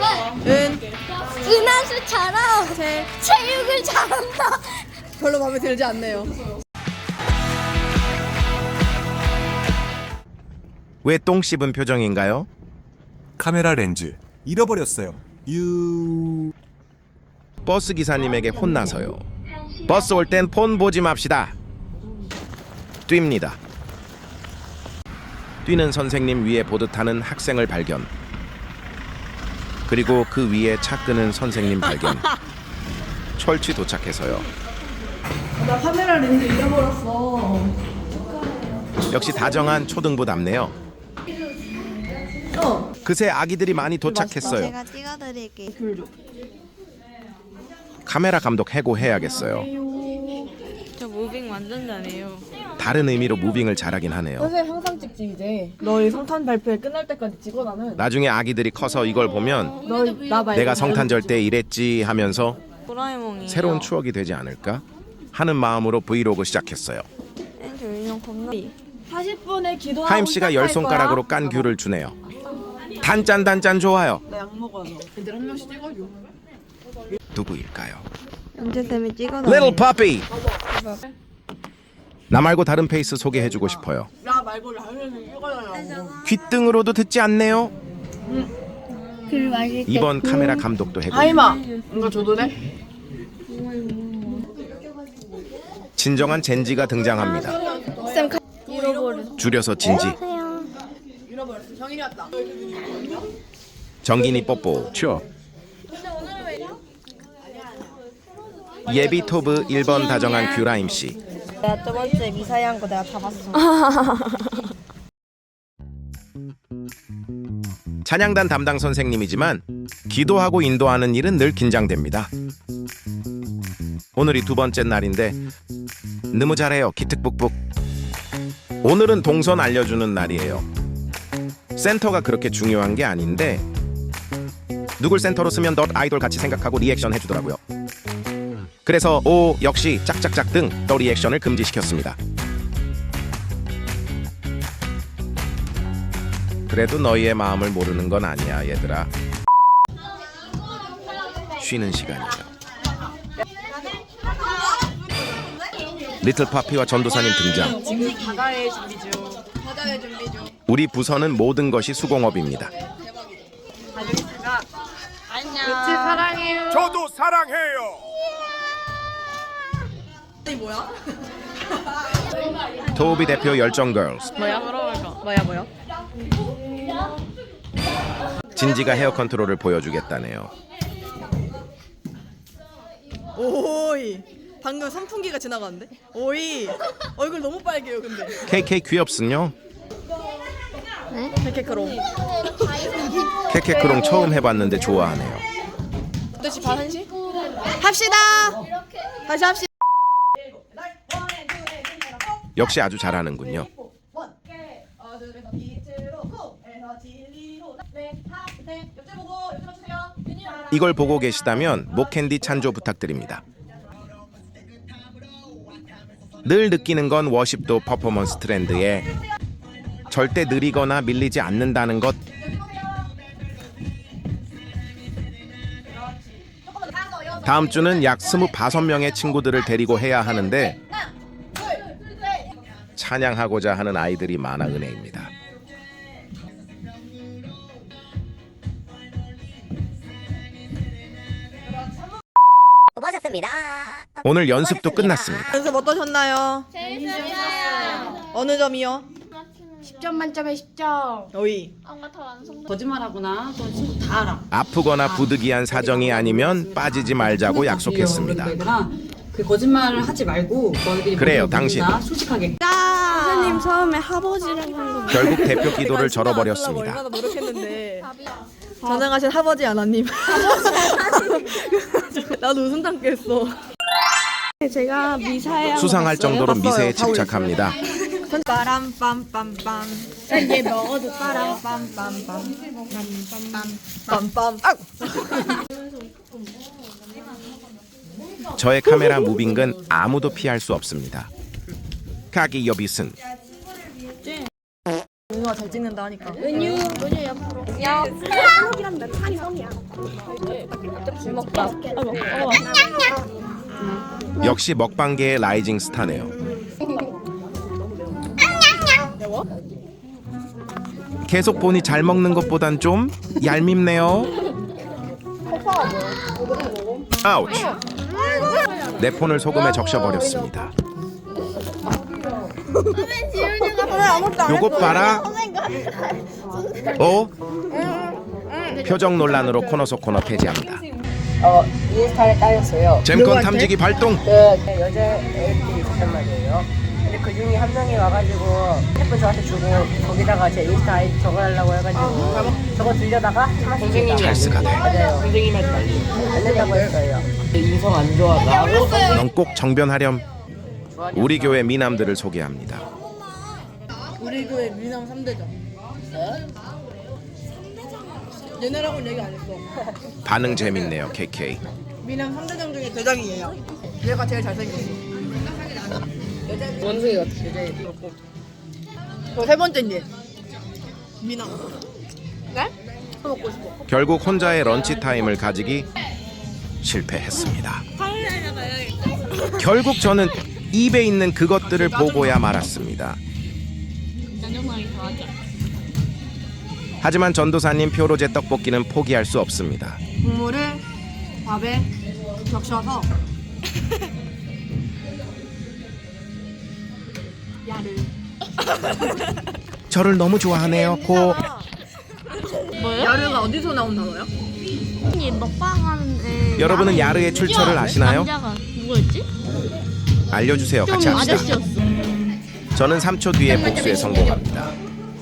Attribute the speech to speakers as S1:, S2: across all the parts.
S1: 은하수처럼 체육을 잘한다.
S2: 별로 마음에 들지 않네요.
S3: 왜 똥 씹은 표정인가요?
S4: 카메라 렌즈 잃어버렸어요.
S3: 버스 기사님에게 혼나서요. 버스 올 땐 폰 보지 맙시다. 뜁니다. 뛰는 선생님 위에 보드 타는 학생을 발견. 그리고 그 위에 차 끄는 선생님 발견. 철치 도착해서요.
S2: 나 카메라 렌즈 잃어버렸어.
S3: 역시 다정한 초등부답네요. 그새 아기들이 많이 도착했어요.
S1: 제가 찍어드릴게요.
S3: 카메라 감독 해고해야겠어요.
S5: 저 무빙 완전 잘해요.
S3: 다른 의미로 무빙을 잘하긴 하네요.
S2: 선생님 항상 찍지 이제. 너희 성탄 발표회 끝날 때까지 찍어 나는.
S3: 나중에 아기들이 커서 이걸 보면
S2: 나 말고
S3: 내가 성탄절 때 이랬지 하면서
S5: 도라에몽이에요.
S3: 새로운 추억이 되지 않을까 하는 마음으로 브이로그 시작했어요.
S5: 저 인형 겁나.
S2: 40분에 기도하고
S3: 하임 씨가 열 손가락으로 깐 귤을 주네요. 단짠 좋아요.
S2: 나약 먹어서. 애들 한 명씩 찍어줘.
S3: 누구일까요?
S5: 연재쌤이 찍어놔요.
S3: Little Puppy. 나 말고 다른 페이스 소개해주고 싶어요.
S2: 나 말고 라면을 찍어달라고.
S3: 귓등으로도 듣지 않네요.
S1: 귤 맛있게.
S3: 이번 카메라 감독도 해고.
S2: 하임아, 이거 줘도 돼?
S3: 진정한 젠지가 등장합니다.
S1: 잃어버려.
S3: 줄여서 진지.
S2: 잃어버렸어. 정인이 왔다.
S3: 정gin이 뽀뽀. 쳐. 예비 토브 1번 다정한 귤라임 씨.
S5: 내가 저번주에 미사이 한 거 내가 다 봤어.
S3: 찬양단 담당 선생님이지만 기도하고 인도하는 일은 늘 긴장됩니다. 오늘이 두 번째 날인데 너무 잘해요. 기특북북. 오늘은 동선 알려주는 날이에요. 센터가 그렇게 중요한 게 아닌데 누굴 센터로 쓰면 덧 아이돌 같이 생각하고 리액션 해주더라고요. 그래서 오 역시 짝짝짝 등 더 리액션을 금지시켰습니다. 그래도 너희의 마음을 모르는 건 아니야 얘들아. 쉬는 시간이죠. 리틀 파피와 전도사님 등장.
S2: 지금 바다의 준비 중. 바다의 준비 중.
S3: 우리 부서는 모든 것이 수공업입니다.
S2: 안녕. 사랑해요.
S4: 저도 사랑해요.
S2: 이 뭐야?
S3: 토비 대표 열정 걸스.
S5: 뭐야? 뭐야?
S3: 진지가 헤어 컨트롤을 보여주겠다네요.
S2: 오이. 방금 선풍기가 지나갔는데? 오이. 얼굴 너무 빨개요, 근데.
S3: KK 귀엽슨요?
S2: 케케크롱.
S3: 케케크롱 처음 해봤는데 좋아하네요.
S2: 2시 반 1시? 합시다. 다시 합시다.
S3: 역시 아주 잘하는군요. 이걸 보고 계시다면 목캔디 찬조 부탁드립니다. 늘 느끼는 건 워십도 퍼포먼스 트렌드에 절대 느리거나 밀리지 않는다는 것. 다음 주는 약 25명의 친구들을 데리고 해야 하는데 찬양하고자 하는 아이들이 많아 은혜입니다.
S1: 고맙습니다.
S3: 오늘 연습도 끝났습니다.
S2: 연습 어떠셨나요?
S1: 재밌었어요.
S2: 어느 점이요?
S1: 10점 만점에 10점.
S2: 오이.
S6: 거짓말하거나 또 친구 다 알아.
S3: 아프거나 부득이한 사정이 아니면 빠지지 말자고 약속했습니다.
S6: 그 거짓말을 하지 말고 너희들이
S3: 그래요,
S6: 모두
S3: 당신.
S6: 다 솔직하게.
S5: 선생님 처음에 하버지라고 한 거.
S3: 결국 대표 기도를
S2: 내가
S3: 절어버렸습니다.
S2: 얼마나 노력했는데. 전능하신 하버지 아나님. 나도 웃음 담겠어.
S5: 제가 미사이
S3: 수상할 정도로 미세에
S2: 봤어요. 다
S3: 집착합니다.
S2: 빠람빰빰빰. 이게 먹어도 빠람빰빰빰. 빰빰. 아!
S3: 저의 카메라 무빙은 아무도 피할 수 없습니다. 가기 여비슨.
S2: 은유가 잘 찍는다 하니까.
S1: 은유 옆으로.
S5: 먹방.
S3: 역시 먹방계의 라이징 스타네요. 계속 보니 잘 먹는 것보단 좀 얄밉네요. 아우치. 내 폰을 소금에 적셔버렸습니다. 요것 봐라. 표정 논란으로 코너 속 코너 폐지합니다.
S7: 인스타에 따였어요.
S3: 잼건 탐지기 발동.
S7: 그 여자 애들이 있었단 말이에요. 근데 그 중에 한 명이 와가지고 핸드폰 저한테 주고 거기다가 제 인스타 아이디 적어달라고 해가지고 저거 들려다가 선생님이
S3: 찰스가 돼.
S7: 맞아요. 선생님한테 안 된다고 했어요. 인성 안 좋아 나하고
S3: 넌 꼭 정변하렴. 우리 교회 미남들을 소개합니다.
S2: 우리 교회 미남 3대장. 얘네라고는 얘기 안 했어.
S3: 반응 재밌네요, KK.
S2: 미남 3대장 중에 대장이에요. 얘가 제일 잘생겼어.
S7: 원숭이 같아. 여자애.
S2: 세 번째인데. 미남. 네? 먹고 싶어.
S3: 결국 혼자의 런치 타임을 가지기 실패했습니다. 결국 저는 입에 있는 그것들을 보고야 말았습니다. 하지만 전도사님 표로제 떡볶이는 포기할 수 없습니다.
S2: 국물을 밥에 적셔서 야를.
S3: 저를 너무 좋아하네요. 고
S2: 야르가 어디서 나온 단어야?
S1: 먹방하는데
S3: 여러분은 야르의 출처를 아시나요?
S1: 남자가 누구였지?
S3: 알려주세요. 같이
S1: 좀
S3: 합시다.
S1: 아저씨였어.
S3: 저는 3초 뒤에 복수에 성공합니다.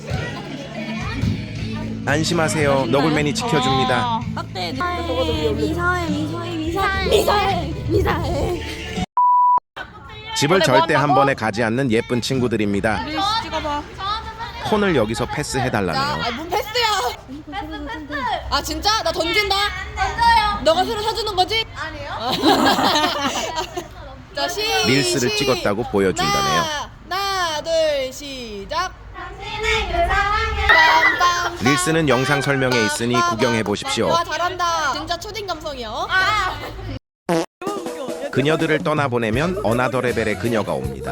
S3: 안심하세요. 너굴맨이 지켜줍니다.
S1: 미사해.
S3: 집을 절대 한 번에 가지 않는 예쁜 친구들입니다. 폰을 여기서 패스해달라네요.
S2: 뭔 패스야? 아 진짜? 나 던진다. 던져요. 너가 새로 사주는 거지? 아니요. 자
S3: 릴스를 찍었다고 보여준다네요.
S2: 하나 둘 시작.
S3: 릴스는 영상 설명에 있으니 구경해 보십시오.
S2: 와 잘한다. 진짜 초딩 감성이야.
S3: 그녀들을 떠나보내면 어나더 레벨의 그녀가 옵니다.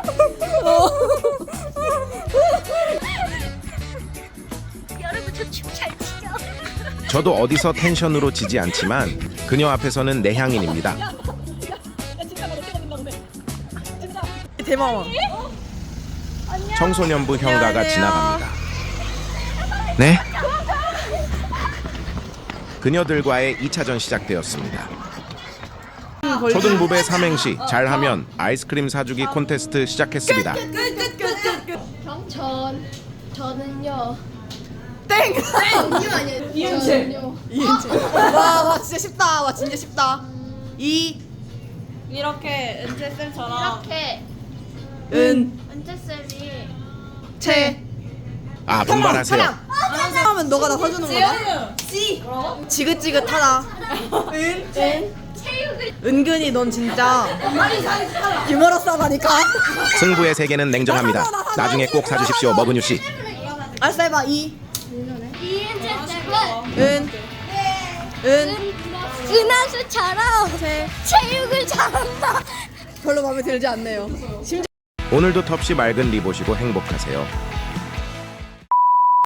S3: 저도 어디서 텐션으로 지지 않지만 그녀 앞에서는 내향인입니다.
S2: 대마왕.
S3: 청소년부 형가가 지나갑니다. 네? 그녀들과의 2차전 시작되었습니다. 초등부배 삼행시 잘하면 아이스크림 사주기 콘테스트 시작했습니다.
S1: 저는요.
S2: 땡.
S1: 저는요.
S2: 와 진짜 쉽다. 와 진짜 쉽다.
S5: 이렇게 은채쌤처럼
S1: 이렇게
S2: 은.
S1: 은채쌤이
S2: 채.
S3: 아, 분발하세요.
S2: 하면 너가 나 사주는 거야? 지긋지긋하다. 은근히 넌 진짜 유머러스하다니까.
S3: 승부의 세계는 냉정합니다. 나중에 꼭 사주십시오, 머그뉴 씨.
S2: 알았어 해봐.
S1: 이은채쌤은
S2: 은.
S1: 은하수처럼 체육을 잘한다.
S2: 별로 마음에 들지 않네요.
S3: 오늘도 텁시 맑은 리 보시고 행복하세요.